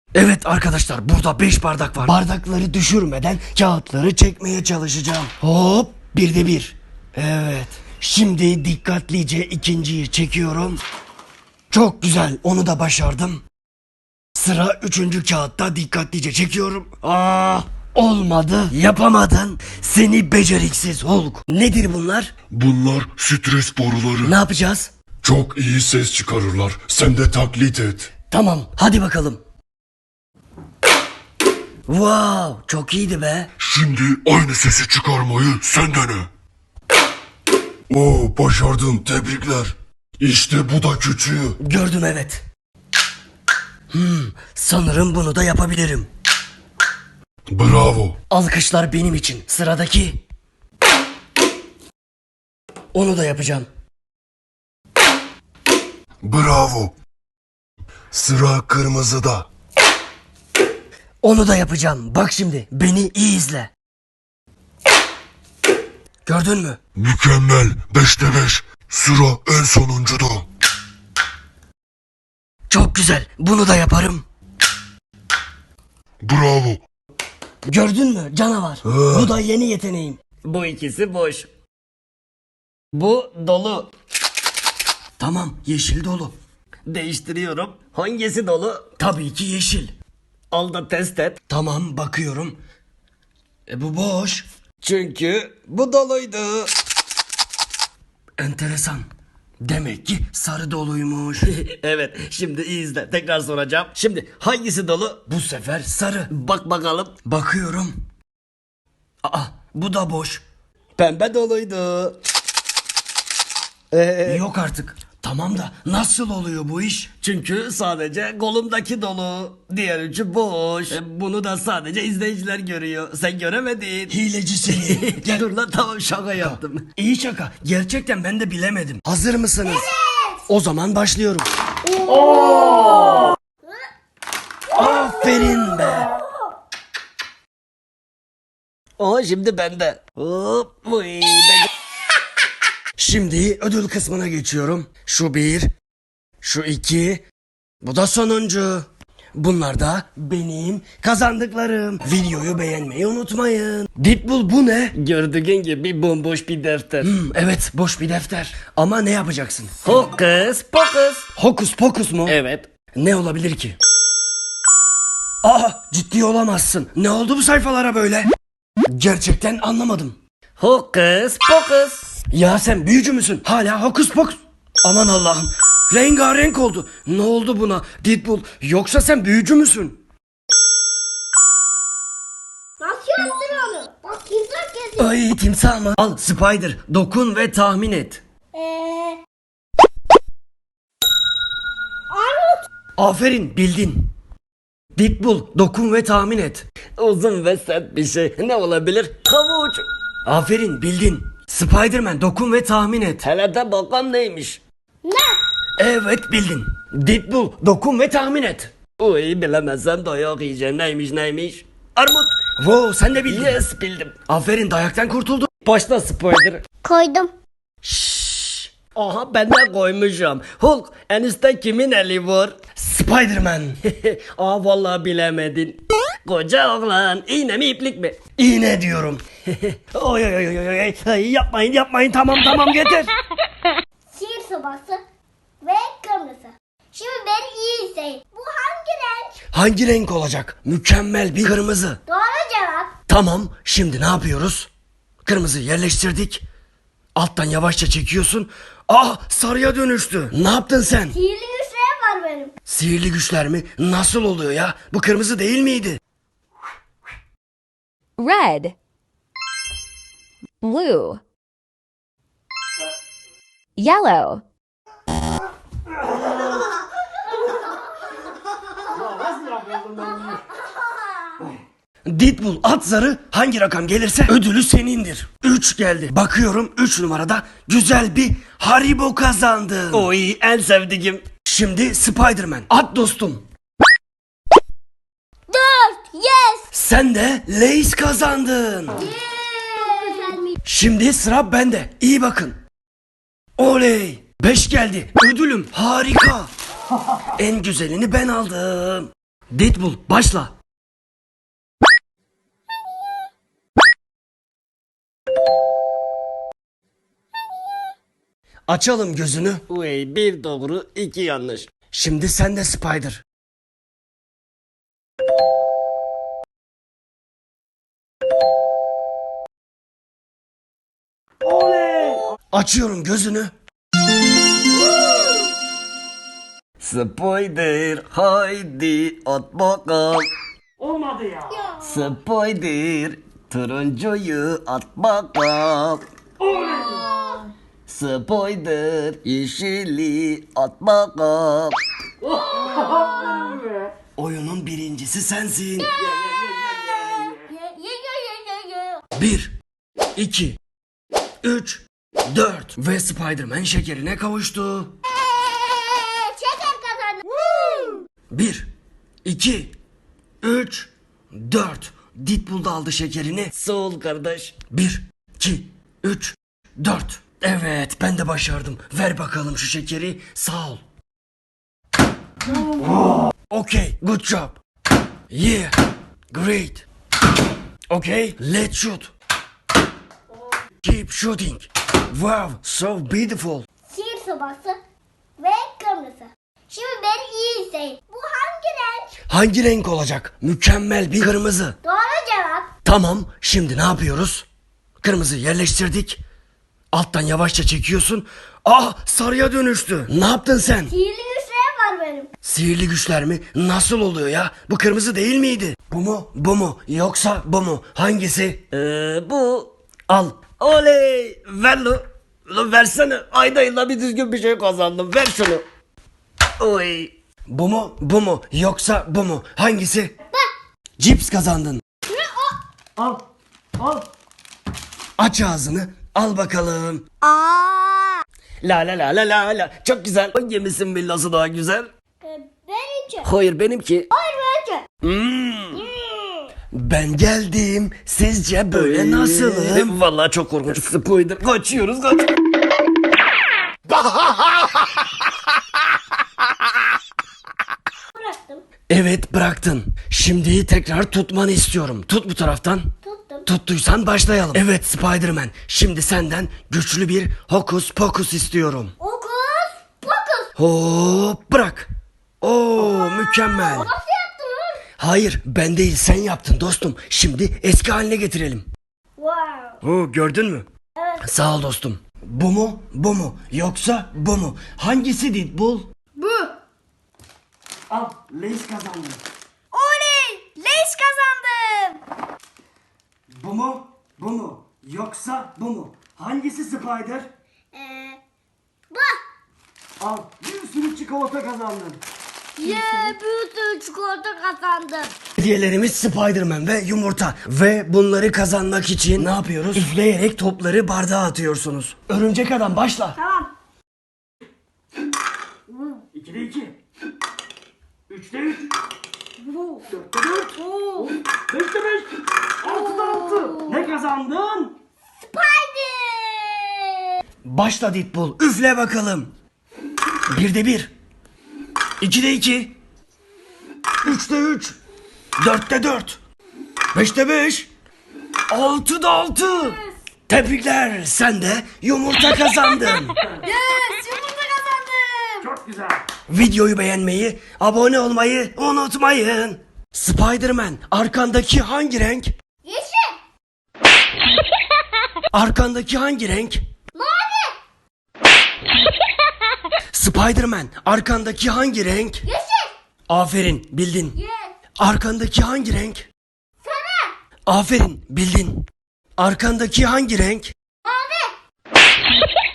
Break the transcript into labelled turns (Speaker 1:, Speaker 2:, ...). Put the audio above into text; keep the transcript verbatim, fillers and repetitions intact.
Speaker 1: Evet arkadaşlar, burada beş bardak var. Bardakları düşürmeden kağıtları çekmeye çalışacağım. Hop, bir de bir. Evet. Şimdi dikkatlice ikinciyi çekiyorum. Çok güzel, onu da başardım. Sıra üçüncü kağıtta, dikkatlice çekiyorum. Aa, olmadı. Yapamadın. Seni beceriksiz Hulk. Nedir bunlar?
Speaker 2: Bunlar stres boruları.
Speaker 1: Ne yapacağız?
Speaker 2: Çok iyi ses çıkarırlar. Sen de taklit et.
Speaker 1: Tamam, hadi bakalım. Wow, çok iyiydi be.
Speaker 2: Şimdi aynı sesi çıkarmayı sen dene. Oo, başardın, tebrikler. İşte bu da küçüğü.
Speaker 1: Gördüm, evet. Hmm, sanırım bunu da yapabilirim.
Speaker 2: Bravo.
Speaker 1: Alkışlar benim için. Sıradaki. Onu da yapacağım.
Speaker 2: Bravo. Sıra kırmızıda.
Speaker 1: Onu da yapacağım. Bak şimdi, beni iyi izle. Gördün mü?
Speaker 2: Mükemmel. Beşte beş. Sıra en sonuncuda.
Speaker 1: Çok güzel. Bunu da yaparım.
Speaker 2: Bravo.
Speaker 1: Gördün mü canavar?
Speaker 2: Ee.
Speaker 1: Bu da yeni yeteneğim.
Speaker 3: Bu ikisi boş. Bu dolu.
Speaker 1: Tamam, yeşil dolu.
Speaker 3: Değiştiriyorum. Hangisi dolu?
Speaker 1: Tabii ki yeşil.
Speaker 3: Al da test et.
Speaker 1: Tamam, bakıyorum. E, bu boş.
Speaker 3: Çünkü bu doluydu.
Speaker 1: Enteresan. Demek ki sarı doluymuş.
Speaker 3: Evet, şimdi iyi izle. Tekrar soracağım. Şimdi hangisi dolu?
Speaker 1: Bu sefer sarı.
Speaker 3: Bak bakalım.
Speaker 1: Bakıyorum. Aa, bu da boş.
Speaker 3: Pembe doluydu. Ee,
Speaker 1: Yok artık. Tamam da nasıl oluyor bu iş?
Speaker 3: Çünkü sadece kolumdaki dolu. Diğer üçü boş. E, Bunu da sadece izleyiciler görüyor. Sen göremedin.
Speaker 1: Hileci seni. Gel.
Speaker 3: Dur lan, tamam, şaka yaptım.
Speaker 1: İyi şaka. Gerçekten ben de bilemedim. Hazır mısınız? Evet. O zaman başlıyorum. Aferin be.
Speaker 3: O şimdi bende. Hop, uy, ben-
Speaker 1: Şimdi ödül kısmına geçiyorum. Şu bir, şu iki, bu da sonuncu. Bunlar da benim kazandıklarım. Videoyu beğenmeyi unutmayın. Deadpool, bu ne?
Speaker 3: Gördüğün gibi bomboş bir defter.
Speaker 1: Hmm, evet, boş bir defter. Ama ne yapacaksın?
Speaker 3: Hokus pokus.
Speaker 1: Hokus pokus mu?
Speaker 3: Evet.
Speaker 1: Ne olabilir ki? Aa, ciddi olamazsın. Ne oldu bu sayfalara böyle? Gerçekten anlamadım.
Speaker 3: Hokus pokus.
Speaker 1: Ya sen büyücü müsün? Hala hokus pokus. Aman Allah'ım. Rengarenk oldu. Ne oldu buna Deadpool? Yoksa sen büyücü müsün?
Speaker 4: Nasıl yaptın onu? Bak timsah geziyor.
Speaker 1: Ay, timsah mı? Al Spider, dokun ve tahmin et.
Speaker 4: Eee... Armut.
Speaker 1: Aferin, bildin. Deadpool, dokun ve tahmin et.
Speaker 3: Uzun ve sert bir şey. Ne olabilir? Havuç.
Speaker 1: Aferin, bildin. Spiderman, dokun ve tahmin et.
Speaker 3: Hele de bakalım neymiş.
Speaker 4: Ne?
Speaker 1: Evet, bildin. Deadpool, dokun ve tahmin et.
Speaker 3: Uy, bilemezsem dayak yiyeceğim. Neymiş neymiş? Armut.
Speaker 1: Wow, sen de bildin.
Speaker 3: Yes, bildim.
Speaker 1: Aferin, dayaktan kurtuldun.
Speaker 3: Başla Spider.
Speaker 4: Koydum.
Speaker 3: Şşş. Aha, ben de koymuşum. Hulk, en üstte kimin eli var?
Speaker 1: Spiderman.
Speaker 3: Aa, vallahi bilemedin. Koca oğlan, iğne mi iplik mi?
Speaker 1: İğne diyorum. Oy oy oy oy oy. Ay, yapmayın yapmayın, tamam tamam, yeter.
Speaker 4: Sihir sobası ve kırmızı. Şimdi beni iyi izleyin. Bu hangi renk?
Speaker 1: Hangi renk olacak? Mükemmel bir kırmızı.
Speaker 4: Doğru cevap.
Speaker 1: Tamam, şimdi ne yapıyoruz? Kırmızı yerleştirdik. Alttan yavaşça çekiyorsun. Ah, sarıya dönüştü. Ne yaptın sen?
Speaker 4: Sihirli güçlerim var benim.
Speaker 1: Sihirli güçler mi? Nasıl oluyor ya? Bu kırmızı değil miydi?
Speaker 5: Red, blue, yellow,
Speaker 1: Deadpool, at zarı, hangi rakam gelirse ödülü senindir. üç geldi. Bakıyorum üç numarada güzel bir Haribo kazandın.
Speaker 3: Oy, en sevdiğim.
Speaker 1: Şimdi Spiderman, at dostum.
Speaker 4: Dört. Yes.
Speaker 1: Sen de Lay's kazandın.
Speaker 4: Çok güzelmiş.
Speaker 1: Şimdi sıra bende. İyi bakın. Oley. beş geldi. Ödülüm harika. En güzelini ben aldım.
Speaker 3: Deadpool başla.
Speaker 1: Açalım gözünü.
Speaker 3: Uy, bir doğru iki yanlış.
Speaker 1: Şimdi sen de Spider. Açıyorum gözünü.
Speaker 3: Spider haydi at bakalım.
Speaker 1: Olmadı ya.
Speaker 3: Spider turuncuyu at bakalım. Spider yeşili at bakalım.
Speaker 1: Oyunun birincisi sensin.
Speaker 4: Ye ye ye ye ye ye.
Speaker 1: Bir, iki, üç, dört ve Spider-Man şekerine kavuştu.
Speaker 4: Eee, şeker kazandı.
Speaker 1: Bir, iki, üç, dört. Deadpool da aldı şekerini.
Speaker 3: Sağ ol kardeş.
Speaker 1: Bir, iki, üç, dört. Evet, ben de başardım. Ver bakalım şu şekeri. Sağ ol. Okay, good job. Yeah, great. Okay, let's shoot. Keep shooting. Wow, so beautiful.
Speaker 4: Sihir sobası ve kırmızı. Şimdi beni iyi izleyin. Bu hangi renk?
Speaker 1: Hangi renk olacak? Mükemmel bir kırmızı.
Speaker 4: Doğru cevap.
Speaker 1: Tamam, şimdi ne yapıyoruz? Kırmızı yerleştirdik. Alttan yavaşça çekiyorsun. Ah, sarıya dönüştü. Ne yaptın sen?
Speaker 4: Sihirli güçlerim var benim.
Speaker 1: Sihirli güçler mi? Nasıl oluyor ya? Bu kırmızı değil miydi? Bu mu? Bu mu? Yoksa bu mu? Hangisi?
Speaker 3: Ee, bu al. Oley ver lo. Lo versene. Ayda yılda bir düzgün bir şey kazandım. Ver şunu. Oy.
Speaker 1: Bu mu? Bu mu? Yoksa bu mu? Hangisi? Cips kazandın.
Speaker 3: Al. Al.
Speaker 1: Aç ağzını. Al bakalım.
Speaker 4: Aa.
Speaker 3: La la la la la la. Çok güzel. Hangimisinin villası daha güzel?
Speaker 4: Ee, benimki.
Speaker 3: Hayır benimki.
Speaker 4: Hayır benimki.
Speaker 3: Hmm.
Speaker 1: Ben geldim. Sizce böyle nasılım?
Speaker 3: Vallahi çok korkunç. Spoiler. Kaçıyoruz kaç.
Speaker 4: Bıraktım.
Speaker 1: Evet, bıraktın. Şimdi tekrar tutmanı istiyorum. Tut bu taraftan.
Speaker 4: Tuttum.
Speaker 1: Tuttuysan başlayalım. Evet Spider-Man. Şimdi senden güçlü bir hokus pokus istiyorum.
Speaker 4: Okus pokus.
Speaker 1: Hop, bırak. Oo, mükemmel.
Speaker 4: Nasıl yaptın?
Speaker 1: Hayır, ben değil, sen yaptın dostum. Şimdi eski haline getirelim.
Speaker 4: Wow.
Speaker 1: Oo, gördün mü?
Speaker 4: Evet.
Speaker 1: Sağ ol dostum. Bu mu? Bu mu? Yoksa bu mu? Hangisi Deadpool?
Speaker 4: Bu.
Speaker 1: Al, Lace kazandı.
Speaker 4: Oley! Leş kazandım.
Speaker 1: Bu mu? Bu mu? Yoksa bu mu? Hangisi Spider?
Speaker 4: Ee, bu.
Speaker 1: Al, bir sürü çikolata kazandın.
Speaker 4: Ye bir sürü çikolata kazandım.
Speaker 1: Hediyelerimiz Spider-Man ve yumurta. Ve bunları kazanmak için ne yapıyoruz? Üfleyerek topları bardağa atıyorsunuz. Örümcek adam başla.
Speaker 4: Tamam.
Speaker 1: ikide iki. Üçte üç. Dörtte dört. Beşte beş. Altıda altı. Ne kazandın?
Speaker 4: Spider.
Speaker 1: Başla Deadpool. Üfle bakalım. Birde bir. İkide iki. Üçte üç. Dörtte dört. Beşte beş. Altıda altı. Tebrikler. Sen de yumurta kazandın.
Speaker 4: Yes, yumurta kazandım.
Speaker 1: Çok güzel. Videoyu beğenmeyi, abone olmayı unutmayın. Spider-Man, arkandaki hangi renk?
Speaker 4: Yeşil.
Speaker 1: Arkandaki hangi renk?
Speaker 4: Mavi.
Speaker 1: Spider-Man, arkandaki hangi renk?
Speaker 4: Yeşil.
Speaker 1: Aferin, bildin.
Speaker 4: Yes.
Speaker 1: Arkandaki hangi renk?
Speaker 4: Sarı.
Speaker 1: Aferin, bildin. Arkandaki hangi renk?
Speaker 4: Mavi.